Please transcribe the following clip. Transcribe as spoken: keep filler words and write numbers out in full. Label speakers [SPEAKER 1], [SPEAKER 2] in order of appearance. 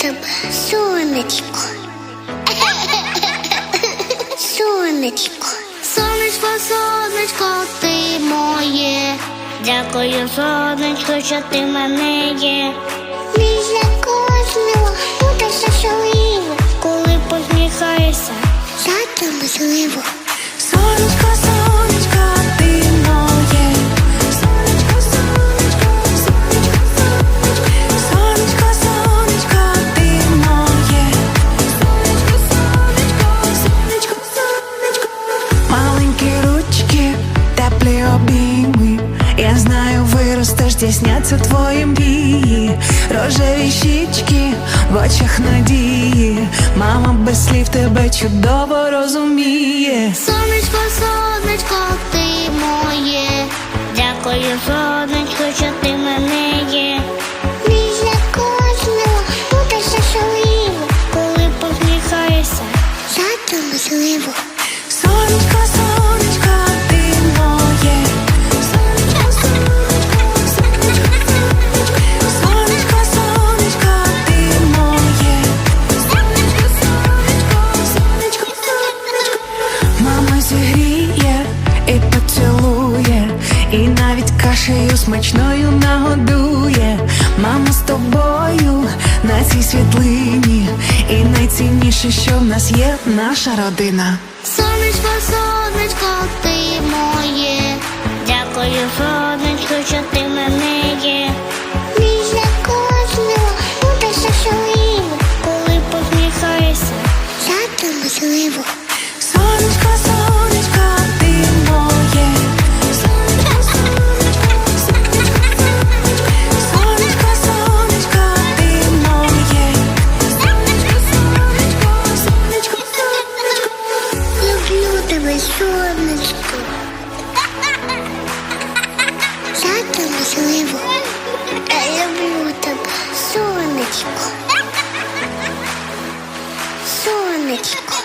[SPEAKER 1] тебе, сонечко. Сонечко. Сонечко, сонечко, ти моє. Дякую, сонечко, що ти в мене є. Біля кожного буде щасливо, коли посміхаєшся, завтра можливо.
[SPEAKER 2] Сонечко, сонечко, ти моє. Сонечко, сонечко, сонечко, сонечко. Сонечко, сонечко, ти моє. Сонечко, сонечко, сонечко, сонечко. Маленькі ручки, теплі обійми. Я знаю, виростеш, здійсняться твої мрії. Рожеві щічки в очах надії. Мама без слів тебе чудово розуміє.
[SPEAKER 1] Сонечко, сонечко, ти моє. Дякую, сонечко, що ти в мене є. Біля кожного буде щасливо, коли посміхаєшся, завтра можливо.
[SPEAKER 2] Сонечко, сонечко, ти моє. Сонечко, сонечко, сонечко, сонечко. Сонечко, сонечко, ти моє. Сонечко, сонечко, сонечко, сонечко. Мама зігріє і поцілує, і навіть кашею смачною нагодує. Мама з тобою на цій світлині, і найцінніше, що в нас є, наша родина.
[SPEAKER 1] Сонечко, сонечко, ти моє. Дякую, сонечко, що ти в мене є. Біля кожного буде щасливо, коли посміхаєшся, завтра можливо.
[SPEAKER 2] Сонечко, сонечко, ти моє. Сонечко, сонечко, сонечко, сонечко. Сонечко, сонечко, ти моє. Сонечко, сонечко, сонечко, сонечко.
[SPEAKER 1] Люблю тебе, сонечко. Завтра можливо. Я люблю тебе, сонечко. Сонечко.